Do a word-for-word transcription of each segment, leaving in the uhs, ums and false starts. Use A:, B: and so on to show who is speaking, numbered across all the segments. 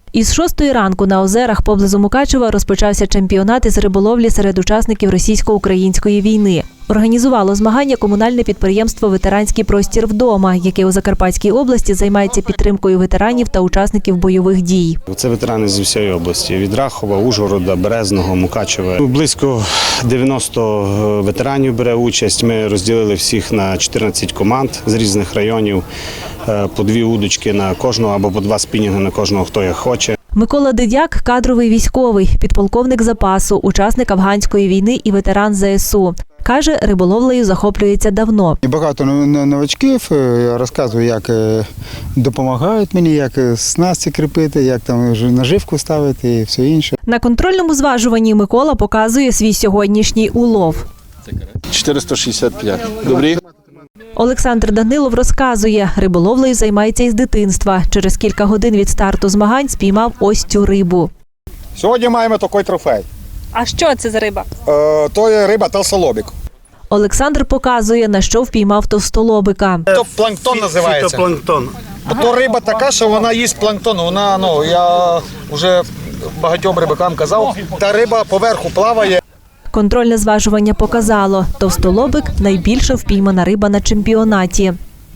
A: Із шостої ранку на озерах поблизу Мукачева розпочався чемпіонат із риболовлі серед учасників російсько-української війни. Організувало змагання комунальне підприємство «Ветеранський простір вдома», яке у Закарпатській області займається підтримкою ветеранів та учасників бойових дій.
B: Це ветерани з усієї області – від Рахова, Ужгорода, Березного, Мукачева. Близько дев'яноста ветеранів бере участь. Ми розділили всіх на чотирнадцять команд з різних районів, по дві удочки на кожного або по два спінінги на кожного, хто як хоче.
A: Микола Дидяк – кадровий військовий, підполковник запасу, учасник афганської війни і ветеран зе ес у. Каже, риболовлею захоплюється давно.
C: Багато новачків, я розказую, як допомагають мені, як снасті кріпити, як там наживку ставити і все інше.
A: На контрольному зважуванні Микола показує свій сьогоднішній улов.
D: чотириста шістдесят п'ять. Добрі?
A: Олександр Данилов розказує, риболовлею займається із дитинства. Через кілька годин від старту змагань спіймав ось цю рибу.
E: Сьогодні маємо такий трофей.
F: А що це за риба?
E: Е, то є риба толстолобик.
A: Олександр показує, на що впіймав товстолобика.
E: То планктон називається.
B: Фітопланктон.
E: То риба така, що вона їсть планктон. Вона, ну, я вже багатьом рибакам казав, та риба поверху плаває.
A: Контрольне зважування показало, товстолобик – найбільша впіймана риба на чемпіонаті.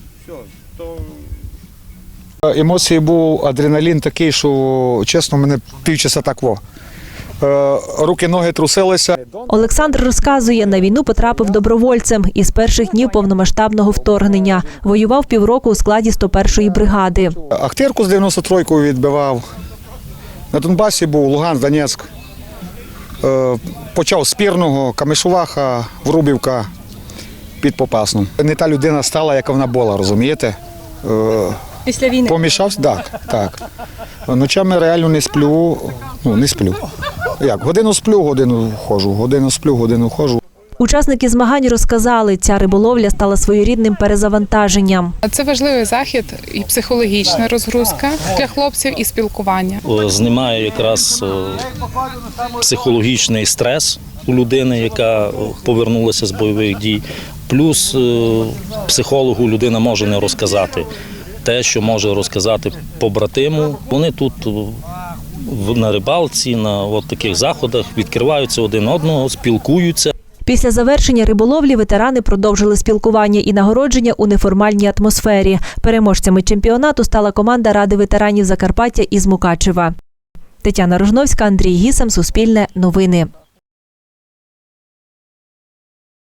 C: Емоції був адреналін такий, що, чесно, мене півчаса так во. Руки, ноги трусилися.
A: Олександр розказує, на війну потрапив добровольцем із перших днів повномасштабного вторгнення. Воював півроку у складі сто першої бригади.
C: Ахтирку з дев'яносто трійкою відбивав. На Донбасі був Луганськ, Донецьк. Почав з Пірного, Камишуваха, Врубівка під Попасну. Не та людина стала, яка вона була, розумієте?
F: Після війни?
C: Помішався, так, так. Ночами реально не сплю, ну не сплю. Як, годину сплю, годину ходжу, годину сплю, годину ходжу.
A: Учасники змагань розказали, ця риболовля стала своєрідним перезавантаженням.
G: Це важливий захід і психологічна розгрузка для хлопців, і спілкування.
H: Знімає якраз психологічний стрес у людини, яка повернулася з бойових дій. Плюс психологу людина може не розказати те, що може розказати побратиму. Вони тут на рибалці, на от таких заходах відкриваються один одного, спілкуються.
A: Після завершення риболовлі ветерани продовжили спілкування і нагородження у неформальній атмосфері. Переможцями чемпіонату стала команда Ради ветеранів Закарпаття із Мукачева. Тетяна Рожновська, Андрій Гісем, Суспільне новини.